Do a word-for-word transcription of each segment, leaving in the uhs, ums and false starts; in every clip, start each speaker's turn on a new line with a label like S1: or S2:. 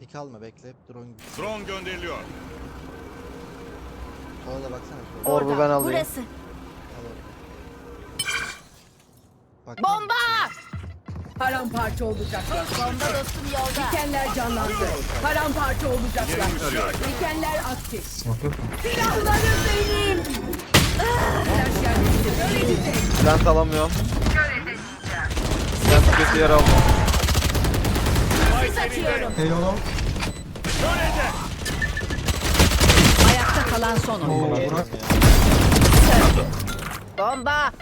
S1: Pik alma bekle. Drone
S2: Drone gönderiliyor.
S1: sola da baksana. Sola.
S3: Orbu ben alayım.
S4: Burası.
S1: Al orada. Bak.
S4: Bomba!
S5: Paramparça olacaklar.
S4: Bomba dostum yolda.
S5: Dikenler canlandı. Paramparça olacaklar.
S2: Yerini tarıyorum.
S5: Dikenler aktif.
S6: Smoke yok mu?
S5: Silahlarım benim. Flash yerleştir. Öğrenecek.
S3: Plant alamıyorum. Plant kötü yer aldım.
S4: Sis atıyorum.
S6: Eyvallah.
S5: Ayakta kalan son oyun.
S6: Burak.
S4: Bomba!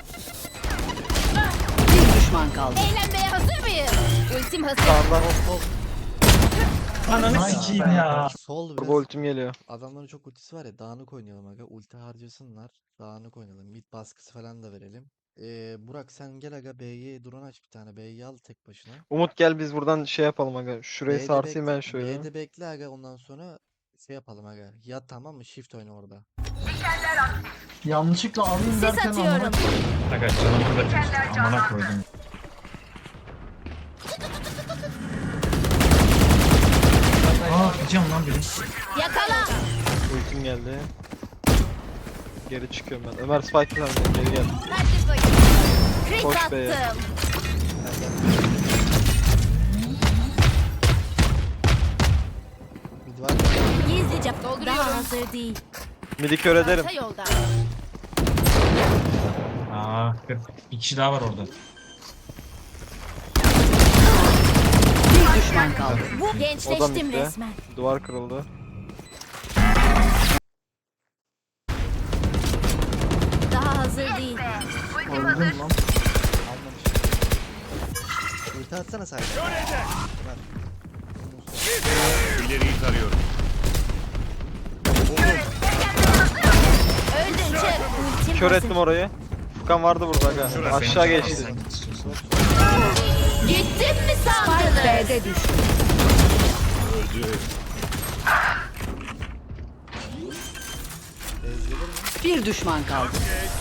S5: Bir düşman kaldı.
S4: Eğlenmeye hazır mıyız? Ultim hazır.
S3: Sağdan hop hop.
S6: Ananı sikeyim ya.
S1: Sol
S3: Turbo
S1: biraz.
S3: ultim geliyor.
S1: Adamların çok ultisi var ya, dağınık oynayalım aga. Ulti harcasınlar. Dağınık oynayalım. Mid baskısı falan da verelim. Ee, Burak sen gel aga, B'ye drone aç bir tane. B'yi al tek başına.
S3: Umut gel biz buradan şey yapalım aga. Şurayı
S1: B'de
S3: sarsayım
S1: bekle-
S3: ben şöyle.
S1: B'de bekle aga, ondan sonra şey yapalım aga. Yat tamam mı? Shift oyna orada.
S6: Yanlışlıkla alayım
S4: Sis
S6: derken
S4: atıyorum.
S6: amına
S7: Aga canım burada çıktı. Amına koydum. Aa gideceğim lan benim.
S4: Yakala.
S3: Ultim geldi. Geri çıkıyorum ben. Ömer Spike falan geri gel.
S4: Hadi bakayım. Crit
S3: Koş be.
S4: attım.
S1: Gel gel. Mid var mı?
S4: Gizlice daha hazır değil.
S3: Midi kör ederim.
S4: Orta yolda.
S7: Aa kırk. Bir kişi daha var orada.
S5: Bir düşman kaldı.
S4: Bu gençleştim
S3: bitti.
S4: resmen.
S3: Duvar kırıldı.
S4: Daha hazır değil.
S6: Öldüm lan.
S1: Almamış. Ulti atsana sadece.
S2: İleriyi tarıyorum.
S4: Öldün çık. Ultim
S3: Kör
S4: hazır.
S3: ettim orayı. Furkan vardı burada aga.
S2: Şurası.
S3: Aşağı geçti.
S7: Sen git istiyorsan.
S4: Gittin mi
S5: Spike
S4: sandınız?
S5: B'de düştü.
S2: Öldü.
S1: Ezgelir mi?
S5: Bir düşman kaldı.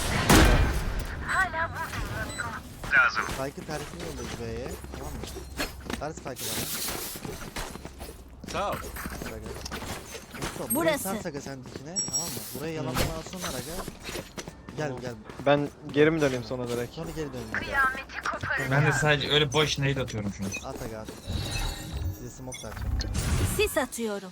S1: Spike'ın tarifini yollayız B'ye. Tamam mı? Ver Spike'ı bana.
S2: Sağ ol.
S1: Ver aga. Mustafa,
S4: Burası.
S1: burayı sar Saga sen dikine. Tamam mı? Burayı yalandan alsınlar aga. Gel gel.
S3: Ben geri mi döneyim sonra direkt?
S1: Sonra geri dönün aga.
S7: Ben de sadece öyle boş nade atıyorum şu an.
S1: At aga at. Size smoke da atacağım.
S4: Sis atıyorum.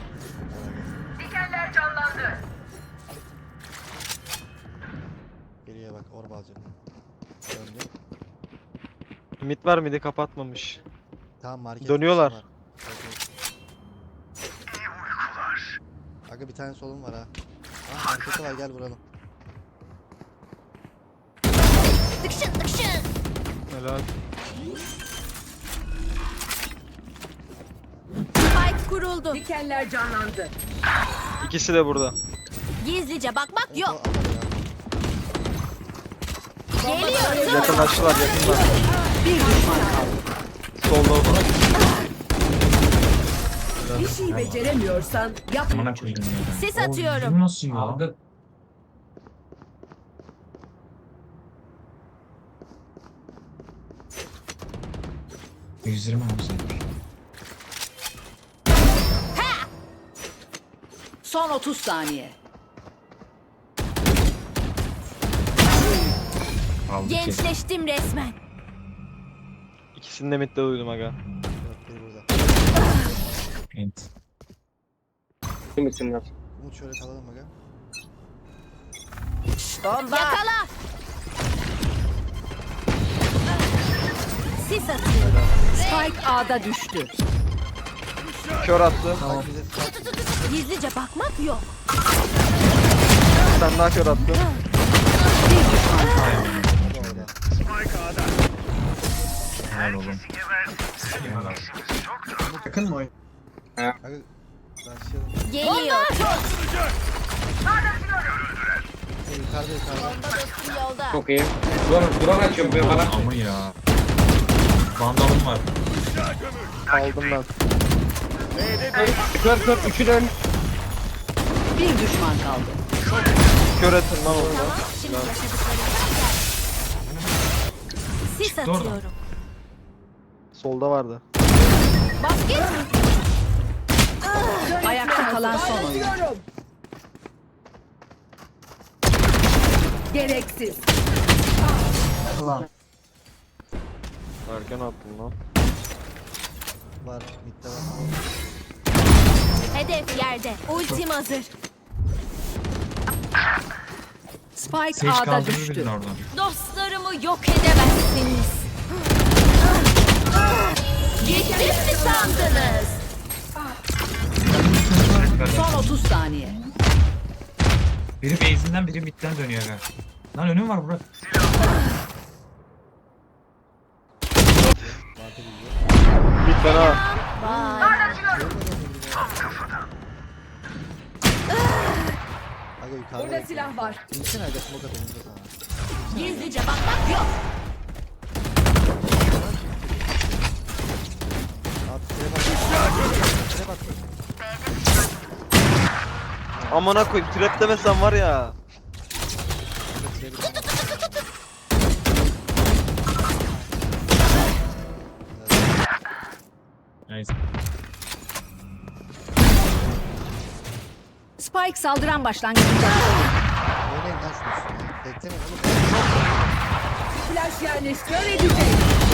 S1: Geriye bak, orba alacağım. Döndü.
S3: Mid var midi kapatmamış.
S1: Tamam market.
S3: Dönüyorlar.
S1: var. Evet, evet. Aga bir tane solum var ha. Ah marketi var, gel vuralım.
S4: Tıkşın tıkşın.
S3: Helal.
S4: Spike kuruldu.
S5: Dikenler canlandı.
S3: İkisi de burada.
S4: Gizlice bakmak
S1: Evet,
S4: yok.
S1: o- al aga.
S4: Geliyor.
S3: Yakınlaştılar yakınlar.
S5: Bir düşman kaldı.
S3: Solda o.
S5: Bir şey beceremiyorsan yapma.
S7: Amına koydum ya. ben.
S4: Sis
S7: O
S4: atıyorum.
S7: yüzüm nasıl ya? yüz yirmi hamsi.
S5: Son otuz saniye.
S7: Aldı ki.
S4: Gençleştim resmen.
S3: İkisini de midde duydum aga.
S1: Yok, biri burada.
S7: Ent.
S1: Umut şöyle kalalım aga.
S4: Bomba. Yakala. Sis atıyorum.
S5: Spike A'da düştü.
S3: Kör attı.
S1: Bak bize spike.
S4: Gizlice bakmak yok.
S3: Sen daha kör attı.
S5: Bir düşman kaldı.
S1: Orada.
S7: Helal oğlum. Helal.
S6: Yakın mı oyun?
S1: Aga başlayalım.
S4: Geliyor.
S1: Hey, yukarıda yukarıda.
S4: Bomba dostum yolda.
S8: Çok iyi. Dur, drone açıyorum ben bana.
S7: Ama ya. Vandalım var.
S3: Aldım ben.
S8: Kör kör, üçü dön.
S5: Bir düşman kaldı.
S3: Kör ettin lan orada.
S4: Tamam. Şimdi yaşadıklarımdan gel. Sis
S7: Çıktı oradan.
S4: atıyorum.
S3: Solda vardı.
S4: Basket.
S5: kalan son oyun. Gereksiz.
S6: Ulan.
S3: Erken attın lan.
S1: Var. Mid'de var.
S4: Hedef yerde. Ultim hazır.
S5: Spike
S7: Sage
S5: A'da
S7: kaldırır
S5: düştü.
S7: bildin oradan.
S4: Dostlarımı yok edemezsiniz. Gittim mi sandınız?
S5: Son otuz saniye.
S7: Biri base'inden biri midden dönüyor aga. Lan önüm var Burak.
S3: Bir fena.
S4: Vay.
S1: Aga yukarıda. Burada silah var. İnsin aga smoke atayım da sana.
S4: Gizlice bakmak yok.
S1: Abi şuraya bak. Şuraya bak.
S3: Amına koyayım trap demesen var ya.
S1: Şuraya bir tane.
S7: Nice.
S5: Spike saldıran başlangıcında.
S1: Oynayın lan şunu üstüne. Beklemeyin oğlum.
S5: Flash yerleştiriyor edecek.